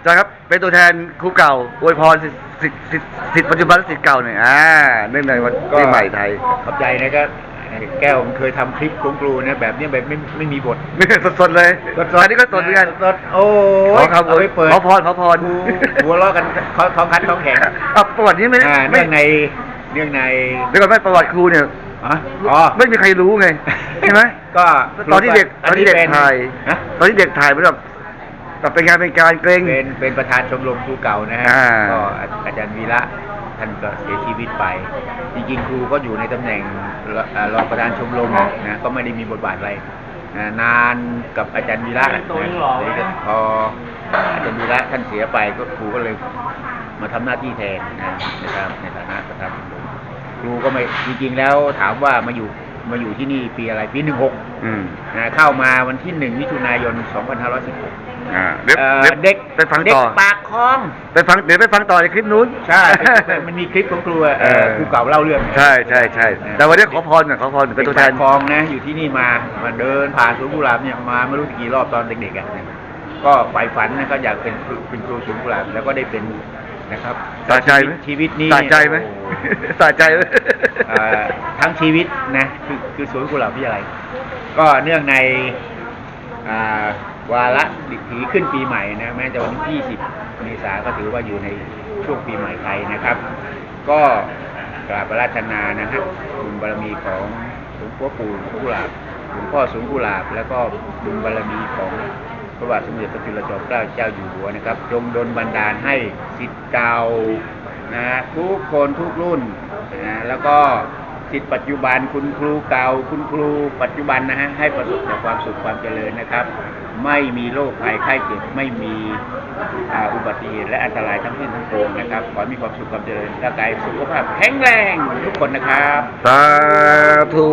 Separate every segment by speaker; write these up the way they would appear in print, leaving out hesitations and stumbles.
Speaker 1: จารย์ครับเป็นตัวแทนครูเก่าอวยพรสิทธิ์ปัจจุบันและสิทธิ์เก่าหน่อยเนื่องในวันปีใหม่ไทย
Speaker 2: ขอบใจนะก็แก้วมันเคยทำคลิปของครูนะแบบนี้แบบไม่มีบท
Speaker 1: สดๆเลยอันนี้ก็สดเหมือนกัน
Speaker 2: สดโอ้
Speaker 1: ขอครับเอาไปเปิดขอพร
Speaker 2: หัวล้อกันท้องคัดท้องแข็ง
Speaker 1: ประวัตินี้ไม่
Speaker 2: เนื่องในเ
Speaker 1: ดี๋ยวก่อนไม่ประวัติครูเนี่ยไม่มีใครรู้ไงใช่ไหม
Speaker 2: ก็
Speaker 1: ตอนที่เด็กถ่ายแบบเป็นงานเป็นการเกรง
Speaker 2: เป็นประธานชมรมครูเก่านะฮะก็อาจารย์วีระท่านก็เสียชีวิตไปจริงๆครูก็อยู่ในตำแหน่งรองประธานชมรมนะก็ไม่ได้มีบทบาทอะไรนานกับอาจารย์วีระนะพออาจารย์วีระท่านเสียไปก็ครูก็เลยมาทำหน้าที่แทนนะครับในฐานะประธานชมรมครูก็ไม่จริงๆแล้วถามว่ามาอยู่ที่นี่ปีอะไรปี16เข้ามาวันที่1 มิถุนายน 2516เด็ก
Speaker 1: ไปฟังต่อ
Speaker 2: ปากคลอง
Speaker 1: เดี๋ยวไปฟังต่อในคลิปนู้น
Speaker 2: ใช่มันมีคลิปของครูครูเก่าเล่าเรื่อง
Speaker 1: ใช่แต่วันนี้ขอพรเป็นตัวแทน
Speaker 2: คลองนะอยู่ที่นี่มาเดินผ่านสวนกุหลาบเนี่ยมาไม่รู้กี่รอบตอนเด็กๆก็ใฝ่ฝันนะก็อยากเป็นครูสวนกุหลาบแล้วก็ได้เป็นนะครับ
Speaker 1: สะใจไหม
Speaker 2: ชีวิตนี้
Speaker 1: สะใจไหมสะใจไหม
Speaker 2: ทั้งชีวิตนะคือสวนกุหลาบวิทยาลัยก็เนื่องในวาระถือขึ้นปีใหม่นะแม้จะวันที่20 เมษายนก็ถือว่าอยู่ในช่วงปีใหม่ไทยนะครับก็กราบอาราธนานะฮะบุญบารมีของหลวงพ่อปู่สวนกุหลาบหลวงพ่อสวนกุหลาบแล้วก็บุญบารมีของพระบาทสมเด็จพระจุลจอมเกล้าเจ้าอยู่หัวนะครับจงดลบันดาลให้ศิษย์เก่านะทุกคนทุกรุ่นนะแล้วก็ศิษย์ปัจจุบันคุณครูเก่าคุณครูปัจจุบันนะฮะให้ประสบแต่ความสุขความเจริญนะครับไม่มีโรคภัยไข้เจ็บไม่มีอุบัติเหตุและอันตรายทั้งสิ้นทั้งปวงนะครับขอให้มีความสุขความเจริญร่างกายสุขภาพแข็งแรงทุกคนนะครับ
Speaker 1: สาธุ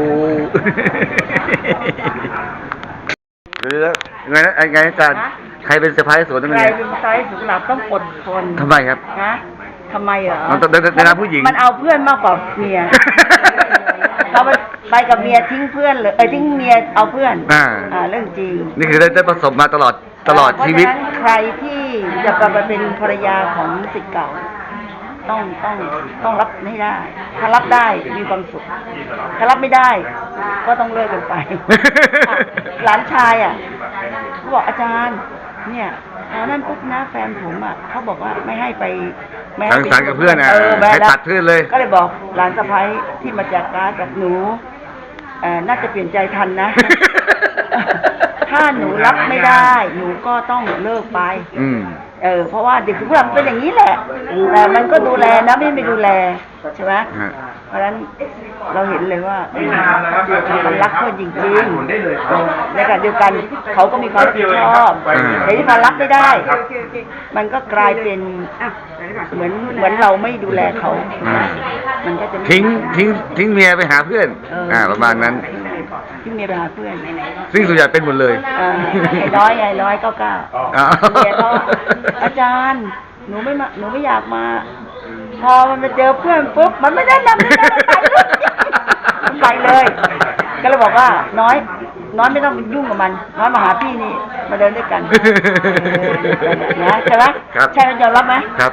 Speaker 1: ไงอาจารย์ใครเป็นเซอร์ไพรส์สวนตรงนี้
Speaker 3: ใครเป็นเซอร์ไพรส์สวนกุหลาบต้องอดทน
Speaker 1: ทำไมครับ
Speaker 3: ทำไมเหรอ
Speaker 1: ในนามผู้หญิง
Speaker 3: มันเอาเพื่อนมากกว่าเมียเราไปกับเมียทิ้งเพื่อนเลยทิ้งเมียเอาเพื่อนเรื่องจริง
Speaker 1: นี่คือได้ประสบมาตลอดชีวิต
Speaker 3: ใครที่จะไปเป็นภรรยาของศิษย์เก่าต้องรับให้ได้ถ้ารับได้มีความสุขถ้ารับไม่ได้ก็ต้องเลิกกันไปหลานชายเขาบอกอาจารย์เนี่ยนั่นปุ๊บนะแฟนผมเขาบอกว่าไม่ให้ไป
Speaker 1: สังสรรค์กับเพื่อนให้ตัดเพื่อนเลย
Speaker 3: ก็เลยบอกหลานสะใภ้ที่มาจากการจากหนูน่าจะเปลี่ยนใจทันนะถ้าหนูรับไม่ได้หนูก็ต้องเลิกไปเพราะว่าเด็กทุกคนเป็นอย่างนี้แหละแต่มันก็ดูแลนะไม่ดูแลใช่ไหมเพราะฉะนั้นเราเห็นเลยว่ามันรักเพื่อนจริงๆในขณะเดียวกันเขาก็มีความรับผิดชอบแต่ที่มันรับไม่ได้มันก็กลายเป็นเหมือนเราไม่ดูแลเขามันก็จะ
Speaker 1: ทิ้งเมียไปหาเพื่อนประมาณนั้น
Speaker 3: ทิ้งเมียไปหาเพื่อน
Speaker 1: ซึ่งส่วนใหญ่เป็นหมดเลย
Speaker 3: ไอ้น้อย9เมียเขาอาจารย์หนูไม่อยากมาพอมันไปเจอเพื่อนปุ๊บมันไม่ได้นำมันไปเลยก็เลยบอกว่าน้อยไม่ต้องยุ่งกับมันน้อยมาหาพี่นี่มาเดินด้วยกันนะใช่ไหมใช่ไหมยอมรับไหม
Speaker 1: ครับ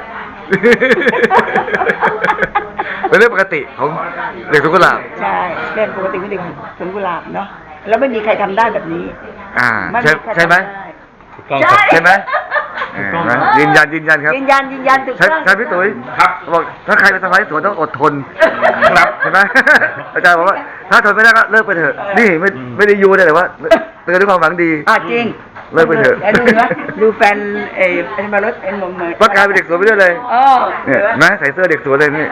Speaker 1: เป็นเรื่องปกติของเด็กสวนกุหลาบ
Speaker 3: ใช่เรื่องปกติของเด็กสวนกุหลาบเนาะแล้วไม่มีใครทำได้แบบนี้
Speaker 1: ใช่ไหมใช่ไหมยืนยันครับ
Speaker 3: ยืนยันถูกต้อง
Speaker 1: ใช่พี่ตุ๋ยบอกถ้าใครเป็นสะใภ้สวนต้องอดทนครับใช่ไหมอาจารย์บอกว่าถ้าทนไม่ได้ก็เลิกไปเถอะนี่ไม่ได้ยูได้แต่ว่าเตือนด้วยความหวังดี
Speaker 3: จริง
Speaker 1: เลิกไปเถอะ
Speaker 3: ดูแฟนมารถมง
Speaker 1: ประกาศเป็นเด็กสวนไปด้วยเลยเนี่ยนะใส่เสื้อเด็กสวนเลยนี่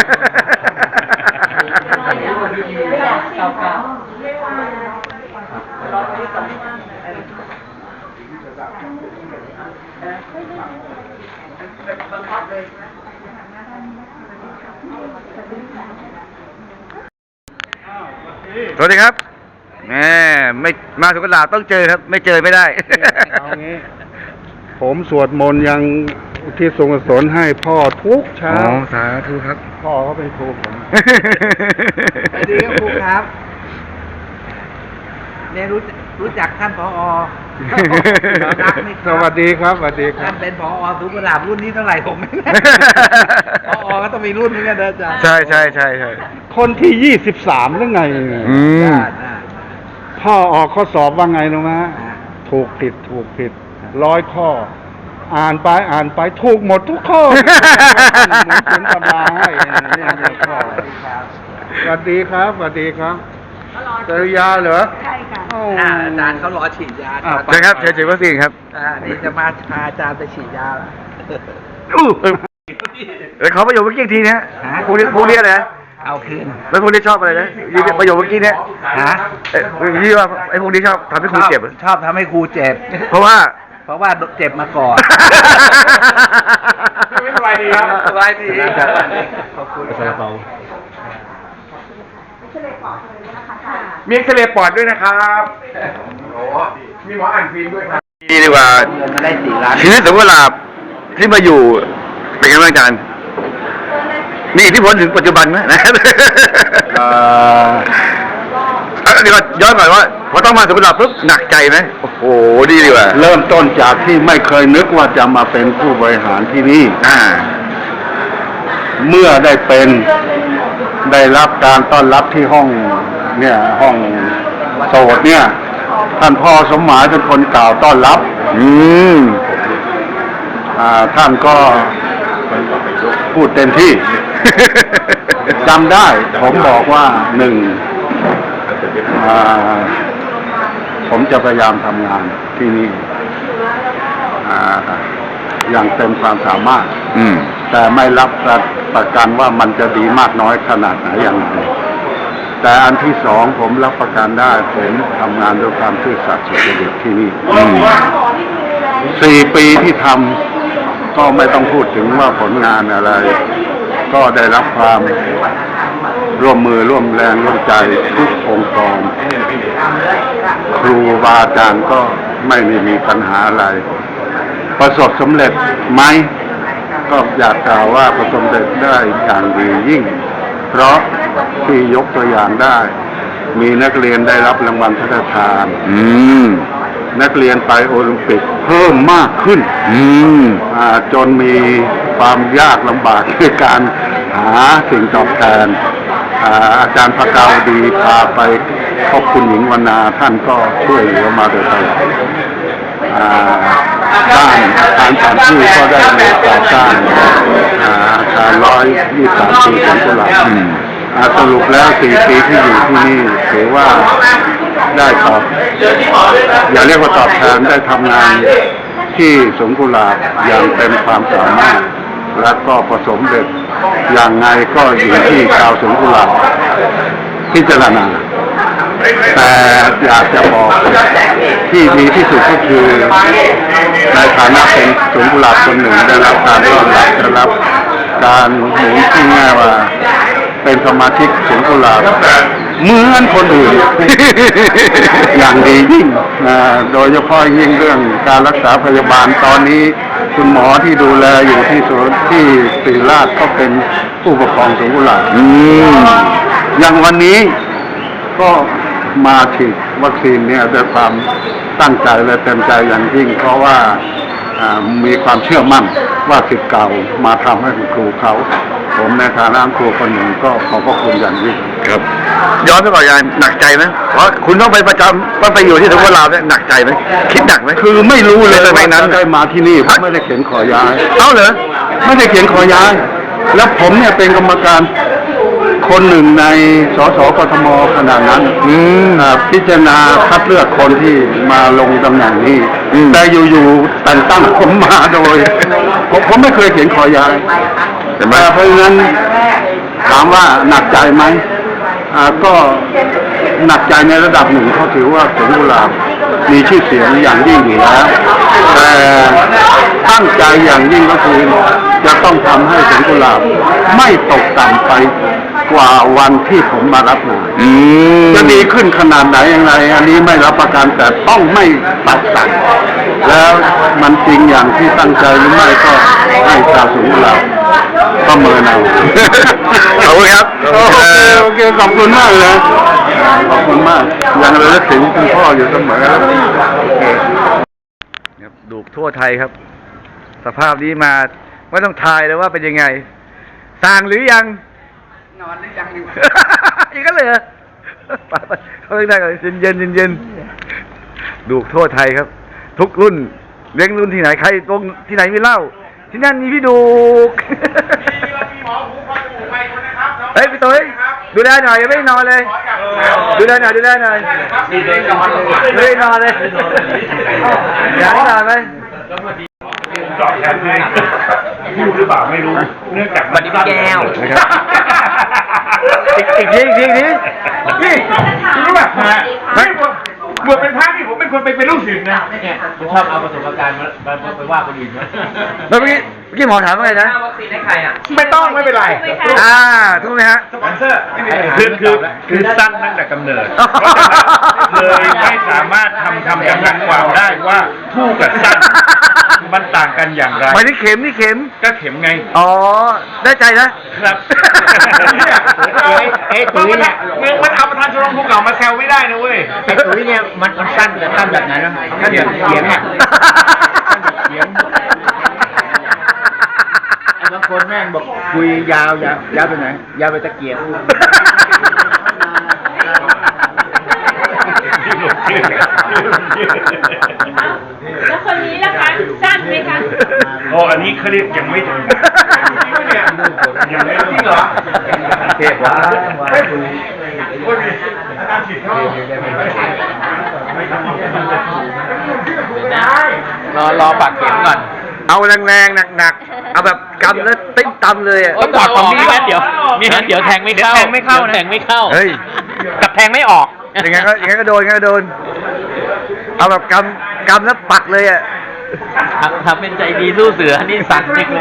Speaker 1: สวัสดีครับไม่มาสวนกุหลาบต้องเจอครับไม่เจอไม่ได้
Speaker 4: เอางี้ผมสวดมนต์ยังที่ทรงกุศลให้พ่อทุกเช้า
Speaker 1: สาธุครับ
Speaker 4: พ่อเขาเป็นครูผม
Speaker 5: สวัสดีครับครูครับเนี่ยรู้จักท่านผอ
Speaker 4: สวัสดีครับสวัสดีครั
Speaker 2: ท่า
Speaker 4: บ
Speaker 2: นเป็นผอสวนกุหลาบรุ่นนี้เท่าไหร่ผมไม่แน่ผอก็ต้องมีรุ่นเหมือนกันนะอาจารย์
Speaker 1: ใช่ใช่ใช่ใช่
Speaker 4: คนที่ 23หรือไง
Speaker 1: อืม
Speaker 4: พ่อออกข้อสอบว่าไงรู้ไหมถูกผิด100 ข้อ อ่านไปถูกหมดทุกข้อ เหมือนเขียนตำราให้เนี่ยพ่อสวัสดีครับสวัสดีครับเจอยาเหรอ
Speaker 3: ใช่ค่ะ
Speaker 4: โอ้
Speaker 2: อาจารย์เขารอฉีดยา
Speaker 4: อ่ะ
Speaker 1: เชิญครับเชิญฉีดวัคซีนครับ
Speaker 2: นี่จะมาพาอาจารย์ไปฉีดยาแล้ว
Speaker 1: เดี๋ยวขอประโยคเมื่อกี้อีกทีนะ
Speaker 2: ฮะ
Speaker 1: พวกนี้อะไรนะ
Speaker 2: เอาคืน
Speaker 1: แล้วพวกนี้ชอบอะไรนะยี่ประโยคเมื่อกี้เนี่ย
Speaker 2: ฮะ
Speaker 1: ยี่ว่าไอ้พวกนี้ชอบทำให้ครูเจ็บเหรอ
Speaker 2: ชอบทำให้ครูเจ็บ
Speaker 1: เพราะว่า
Speaker 2: เพราะว่าเจ็บมาก่อน
Speaker 1: ไม่สบายดีครับสบายดี
Speaker 2: ขอบคุณ
Speaker 1: ซาลาเปามีเอ็กซเรย์ปอดด้วยนะครับมีหมออ่านฟิล์มด้วยครับดีดีกว่า
Speaker 2: เงินมาได้4 ล้าน
Speaker 1: ชีวิตสมกุหลาบที่มาอยู่เป็นไงบ้างอาจารย์มีอิทธิพลถึงปัจจุบันไหมนะเดี๋ยวก่อนย้อนก่อนว่าพอต้องมาสมกุหลาบปุ๊บหนักใจไหมโอ้โหดีดีกว่า
Speaker 4: เริ่มต้นจากที่ไม่เคยนึกว่าจะมาเป็นผู้บริหารที่นี่ เมื่อได้รับการต้อนรับที่ห้องโสดเนี่ย ท่านพ่อสมหมายเป็นคนกล่าวต้อนรับ ท่านก็พูดเต็มที่ จำได้ผมบอกว่าผมจะพยายามทำงานที่นี่อย่างเต็มความสามารถ แต่ไม่รับประกันว่ามันจะดีมากน้อยขนาดไหนอย่างไรแต่อันที่สองผมรับประกันได้ผมทำงานด้วยความซื่อสัตย์สุจริตที่นี่4 ปีที่ทำก็ไม่ต้องพูดถึงว่าผลงานอะไร ก็ได้รับความร่วมมือร่วมแรงร่วมใจทุกองค์กรครูบาอาจารย์ก็ไม่ได้มีปัญหาอะไร ประสบสำเร็จไหมก็อยากกล่าวว่าประสบสำเร็จได้อย่างดียิ่ง เพราะที่ยกตัวอย่างได้ มีนักเรียนได้รับรางวัลพระราชทานนักเรียนไปโอลิมปิกเพิ่มมากขึ้นจนมีความยากลำบากในการหาสิ่งตอบแทนอาจารย์พระกาวดีพาไปพบคุณหญิงวรรณาท่านก็ช่วยเหลือมาโดยตลอดด้านการสถานที่ก็ได้ในก่อสร้างอาคาร123 ปีของกุหลาบสรุปแล้ว4 ปีที่อยู่ที่นี่ถือว่าได้อย่าเรียกว่าตอบแทนได้ทำงานที่สวนกุหลาบอย่างเต็มความสามารถและก็ประสบเร็จอย่างไงก็อยู่ที่ชาวสวนกุหลาบพิจารณาแต่อยากจะบอกที่ดีที่สุดก็คือในฐานะเป็นสวนกุหลาบคนหนึ่งได้รับการต้อนรับได้รับการหนุนที่แง่ว่าเป็นสมาชิกสวนกุหลาบเหมือนคนอื่น อย่างดียิ่งโดยเฉพาะยิ่งเรื่องการรักษาพยาบาลตอนนี้คุณหมอที่ดูแลอยู่ที่ศูนย์ที่ศิริราชก็เป็นผู้ปกครองสวนกุหลาบอย่างวันนี้ก็มาฉีดวัคซีนเนี่ยด้วยความตั้งใจและเต็มใจอย่างยิ่งเพราะว่ามีความเชื่อมั่นว่าศิษย์เก่ามาทำให้คุณครูเขาผมในฐานะครูคนหนึ่งก็ขอบพระคุณอย่างยิ่ง
Speaker 1: ครับย้อนไปก่อนยายหนักใจไหมเพราะคุณต้องไปประจำต้องไปอยู่ที่สวนกุหลาบเนี่ยหนักใจไหมคิดหนักไหม
Speaker 4: คือไม่รู้เลย
Speaker 1: สมัยนั้น
Speaker 4: ว่าได้มาที่นี่ผมไม่ได้เขียนขอย้าย
Speaker 1: เอ้าเหรอ
Speaker 4: ไม่ได้เขียนขอย้าย แล้วผมเนี่ยเป็นกรรมการคนหนึ่งในสสกทมขนาดนั้นพิจารณาคัดเลือกคนที่มาลงตำแหน่งนี้แต่อยู่ๆแต่งตั้งผมมาโดยผมไม่เคยเขียนขอย้ายเพราะฉะนั้นถามว่าหนักใจไหมก็หนักใจในระดับหนึ่งเขาถือว่าสวนกุหลาบมีชื่อเสียงอย่างยิ่งอยู่แล้วแต่ตั้งใจอย่างยิ่งก็คือจะต้องทำให้สวนกุหลาบไม่ตกต่ำไปกว่าวันที่ผมมารับงานจะดีขึ้นขนาดไหนอย่างไรอันนี้ไม่รับประกันแต่ต้องไม่ตัดสั่งแล้วมันจริงอย่างที่ตั้งใจหรือไม่ก็ให้ชาวสวนกุหลาบประเมินเอา
Speaker 1: ขอบคุณครับ
Speaker 4: โอเคขอบคุณมากเลยขอบคุณมากยังระลึกถึงคุณพ่ออยู่เสมอโอเค
Speaker 1: ครับดูทั่วไทยครับ สภาพนี้มาไม่ต้องทายเลยว่าเป็นยังไงสั่งหรือยัง
Speaker 2: นอนหรือยังอยู่
Speaker 1: อีกก็เลยเหรอไปเขาเรียกได้กันเย็นดูทั่วไทยครับ ทุกรุ่นเลี้ยงรุ่นที่ไหนใครตรงที่ไหนมีเหล้าที่นั่นมีพี่ดูกเฮ้ยพี่ตุ้ยดูแลหน่อยยังไม่ได้นอนเลย ดูแลหน่อยไม่ได้นอนเลยอยากให้นอนไหม
Speaker 5: ตอบแทนให้พูดหรือเปล่าไม่รู้เนื่องจาก
Speaker 6: สวัสดีพี่แก้ว
Speaker 1: นะครับอีกที
Speaker 5: นี่รู้ป่ะเมื่อเป็นพระนี่ผมเป็นคนเป็นลูกศิษย์นะ
Speaker 6: เนี่ยชอบเอาประสบการณ์มาไปว่าคนอื่นนะ
Speaker 1: แล้วเมื่อกี้หมอถามว่าไงนะ
Speaker 6: วัคซีนให้ใครอ่ะ
Speaker 5: ไม่ต้องไม่เป็นไร
Speaker 1: ถูกไหมฮะ
Speaker 5: สปอนเซอร์คือสั้นตั้งแต่กำเนิดเลยไม่สามารถทำจำกัดความได้ว่าทู่กับสั้นมันต่างกันอย่างไร
Speaker 1: หมายถึงเข็มนี่เข็ม
Speaker 5: ก็เข็มไง
Speaker 1: อ๋อได้ใจนะครับ
Speaker 2: ตุ้ยเนี่ย
Speaker 5: มันเอาประธานชมรมภูเขามาแซวไม่ได้นะเว้ย
Speaker 2: ไอ้ตุ้ยเนี่ยมันสั้นแต่สั้นแบบไหนนะเขียงอ่ะเขียงบางคนแม่งบอกคุยยาวไปไหนยาวไปตะเกียบ
Speaker 7: แล้วคนนี้ล่ะคะสั้นไหมคะ
Speaker 5: โอ้อันนี้เขาเรียกยังไม่ถึงยังไม่จริงเหรอ
Speaker 2: เทพวะ
Speaker 5: โอ้ยอาจารย์ฉีดเข้าร
Speaker 6: อปักเข็มก่อน
Speaker 1: เอาแรงๆหนักๆเอาแบบกำแล้วติ้มตำเลยอ่ะ
Speaker 6: ต้องปักตรงนี้งั้นเดี๋ยวแทงไม่เข้า
Speaker 2: แทงไม่เข้านะ
Speaker 6: แทงไม่เข้า
Speaker 1: เฮ้ย
Speaker 6: กับแทงไม่ออก
Speaker 1: อย่างงั้นก็โดนเอาแบบกำแล้วปักเลยอ่ะ
Speaker 6: ทำเป็นใจดีสู้เสือนี่สั่นจริงเลย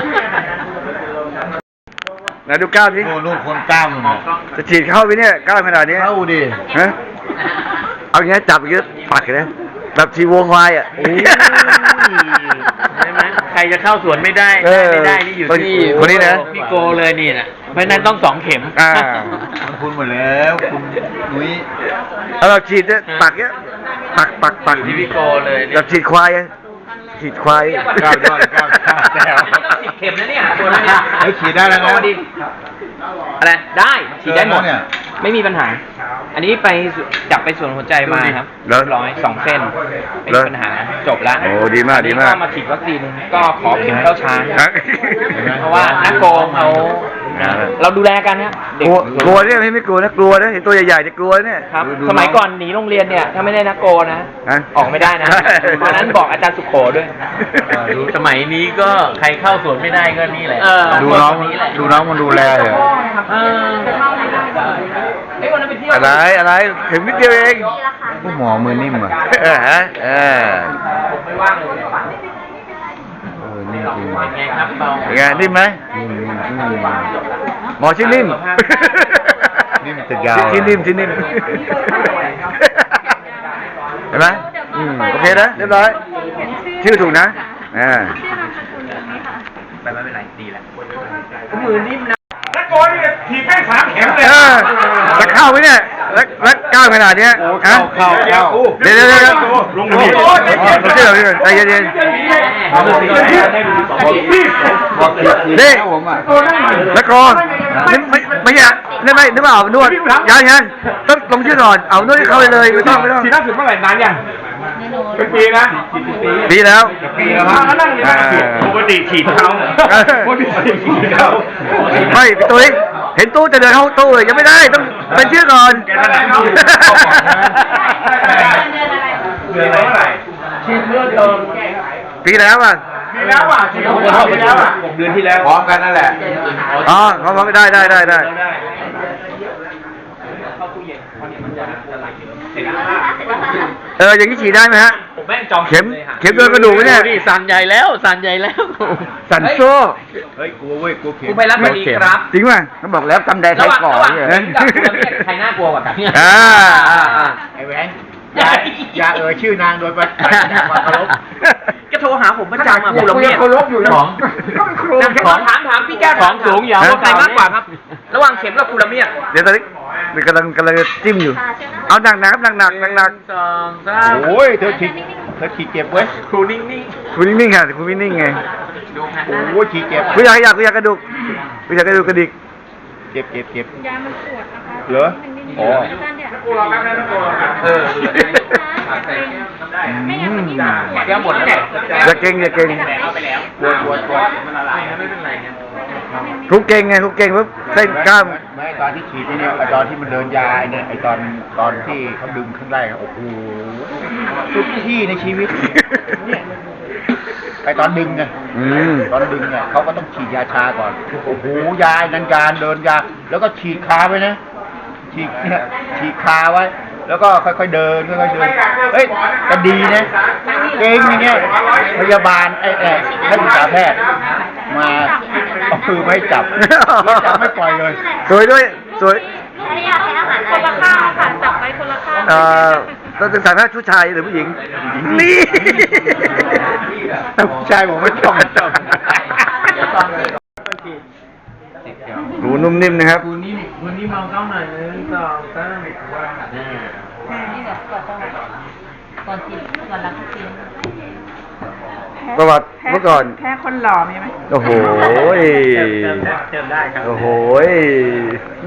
Speaker 1: ไหนดูกล้ามดิ
Speaker 4: โอ้ลูกคนกล้ามมันน่ะ
Speaker 1: จะฉีดเข้าไปเนี่ยกล้ามขนาดนี้
Speaker 4: เข้าดิ
Speaker 1: ฮะเอาอย่างนี้จับอย่างนี้ปักเลยนะแบบชีวงควายอ่ะ
Speaker 6: ใช่ไหมใครจะเข้าสวนไม่ได้ ไม่ได้นี่อยู่ที่
Speaker 1: คนนี้นะ
Speaker 6: พี่โกเลยนี่นะเพราะฉะนั้นต้อง2 เข็ม
Speaker 4: คุณหมดแล้วคุณนุ้ย
Speaker 1: เอาแบบฉีดเนี่ยปักเนี้ยปัก
Speaker 6: ที่พี่โกเลย
Speaker 1: แบบฉีดควายอะฉีดควาย
Speaker 4: ก้าวยอดก้าวแซว
Speaker 6: 10 เข็มนะเนี่ยตัวนั้นเนี่ย
Speaker 4: เฮ้ยฉีดได้แล้วนะ
Speaker 6: อะไรได้ฉีดได้หมด
Speaker 4: เนี่ย
Speaker 6: ไม่มีปัญหา อันนี้ไปจับไปส่วนหัวใจมาครับ
Speaker 1: แล้ว
Speaker 6: เรียบร้อย2 เส้นไม่มีปัญหาจบแล้ว
Speaker 1: โอ้ดีมาก
Speaker 6: อันนี้ก็มาฉีดวัคซีนก็ขอเข็มเข้าช้าง
Speaker 1: ครับ
Speaker 6: เพราะว่านักโกงเขาเราดูแลกันเนี่ยเด็
Speaker 1: กลัวเนี่ยไม่กลัวนะกลัวนะเห็นตัวใหญ่ๆจะกลัวเนี่ย
Speaker 6: ครับสมัยก่อนหนีโรงเรียนเนี่ยถ้าไม่ได้นักโกนะ
Speaker 1: ฮะ
Speaker 6: ออกไม่ได้นะเพราะฉะนั้นบอกอาจารย์สุโขด้วยสมัยนี้ก็ใครเข้าสวนไม่ได้ก็นี่แหละ
Speaker 4: ดูน้องมันดูแลเหรอ
Speaker 6: ไอ้วันนั้นไปเที่ยว
Speaker 1: อะไรถึงนิดเดียวเอง
Speaker 4: ผู้หมอมือนิ่มอ่ะ
Speaker 1: ฮะ
Speaker 6: ผมไม่ว่างเลย
Speaker 4: นิ่มจริง
Speaker 6: เป็นไงครับเบา
Speaker 1: เป็นไงนิ่มไหม
Speaker 4: นิ่ม
Speaker 1: หมอชื่อนิ่ม
Speaker 4: นิ่มติดยาว
Speaker 1: ชื่อนิ่มเห็นไหมโอเคนะเรียบร้อยชื่อถูกนะ
Speaker 6: ไปไม่เป็นไรดีแล้วมือนิ่มนะ
Speaker 5: นักโกนี่ถีบแม่ง3 เข็มเลย
Speaker 1: จะเข้าไหมเนี่ยแล้วก้าวขนาดเนี้ยฮะ
Speaker 4: เข้า
Speaker 1: เดี๋ยว
Speaker 5: ลง
Speaker 1: ลงชื่อเราใจเย็นนี่แล้วก็ไม่ใช่นึกไม่เอานวดยังต้องลงชื่อก่อนเอานวดให้เข้าไปเลยไม่ต้อง
Speaker 5: ฉีดล่าสุดเมื่อไหร่นานยังเป็นปีนะ
Speaker 1: ปีแล้ว
Speaker 5: แล้วนั่งอยู่ปกติฉีดเขาปกติฉีดเขา
Speaker 1: ไม่ตุ้ยเห็นตู้จะเดินเข้าตู้เลยยังไม่ได้ต้องเป็นชื่อก่อน
Speaker 5: เดือนเท่าไหร่
Speaker 6: ฉีดเมื่อเดิม
Speaker 1: ปีแล้วอ่ะ
Speaker 5: มีแล้วอ่ะฉีดของเราไปแล้วอ่ะ6 เดือนที่แล้ว
Speaker 4: พร้อมกันนั่นแหละ
Speaker 1: อ๋อเขาบอกได้อย่างนี้ฉีดได้ไหมฮะ
Speaker 6: ผมแม่งจอง
Speaker 1: เข็มโดนกระดูกไหมเนี่ย
Speaker 6: สั่นใหญ่แล้วสั่นใหญ่แล้ว
Speaker 1: สันโซ่
Speaker 5: เฮ้ยกลัวเว้ยกลัวเข็ม
Speaker 6: คุณไปรับมาดีครับ
Speaker 1: จริงป่ะเขาบอกแล้วตำแดงไทยก่อน
Speaker 6: ระหว่างเข็มกับคุณเรียกใครน่ากลัวกว่ากัน
Speaker 2: ไอ้แหวนอย่าเชื่อนางโดยความเคารพ
Speaker 6: ก็โทรหาผมประจำอ่ะคุณละเมียด
Speaker 2: เคารพอยู่นะ
Speaker 6: ของถามพี่แก้วของสูงอย่าว่าใครมากกว่าครับ ระหว่างเข็มกับคุณละเมียด
Speaker 1: เดี๋ยวตอนนี้กำลังจิ้มอยู่ เอาหนัก
Speaker 6: 2 3
Speaker 5: โอ้ยเธอฉีด
Speaker 2: เธอฉีดเจ็บเว้ย
Speaker 6: ครูนิ่ง
Speaker 1: คุณนิ่งๆค่ะคุณไม่นิ่งไง
Speaker 6: ๆดูหันห
Speaker 2: โอ้
Speaker 6: น้า
Speaker 2: โหฉีดเจ็บ
Speaker 1: กูอยากกระดูกกูอยากกระดูกกระดิก
Speaker 2: เจ็บเจ็บเจ็บ
Speaker 7: ยามันปวดนะคะ
Speaker 2: เหรออ๋อ
Speaker 7: ท่านเนี่ย
Speaker 6: เออ
Speaker 7: ไม่งั้นมันยิ่งปวด
Speaker 6: แก้หมดแล้วเนี่ย
Speaker 1: อย่าเก่งอย่าเก่ง
Speaker 6: เอาไปแล้ว
Speaker 2: ปวดปวดปวด
Speaker 6: มันละลายไม่เป็นไรครับ
Speaker 1: ทุกเก่งไงทุกเก่งปุ๊บเส้นกล้าม
Speaker 2: ไม่ตอนที่ฉีดเนี่ยไอตอนที่มันเดินยาไอเนี่ยไอตอนที่เขาดึงข้างแรกอะโอ้โหสุดที่ในชีวิตเนี่ยไอตอนดึงไง
Speaker 1: อืม
Speaker 2: ตอนดึงเนี่ยเขาก็ต้องฉีดยาชาก่อนโอ้โหยานันการเดินยาแล้วก็ฉีดคาไว้นะฉีดเนี่ยฉีดคาไว้ แล้วก็ค่อยๆเดินค่อยๆเดินเฮ้ยแต่ดีนะเก่งอย่างเงี้ยพยาบาลนักศึกษาแพทย์มาเอามือไม่จับไม่ปล่อยเลย
Speaker 1: สวยด้วยสวย
Speaker 7: คนละข้างค่ะจับไปคนละข้าง
Speaker 1: เราจะสายแพทย์ผู้ชายหรือผู้หญิง นี่
Speaker 2: แต่ผู้ชายผมไม่ต้อง
Speaker 1: หูนุ่มนิ่มนะครับ
Speaker 6: ครูนิ่มมองกล้องหน่อย1 2 3
Speaker 7: นี่แบบก่อนกินก่อนรับกิน
Speaker 1: ประวัติเมื่อก่อน
Speaker 3: แค่คนหล่อมีไหม
Speaker 1: โอ้โห
Speaker 6: เจิมได้ครับ
Speaker 1: โอ้โห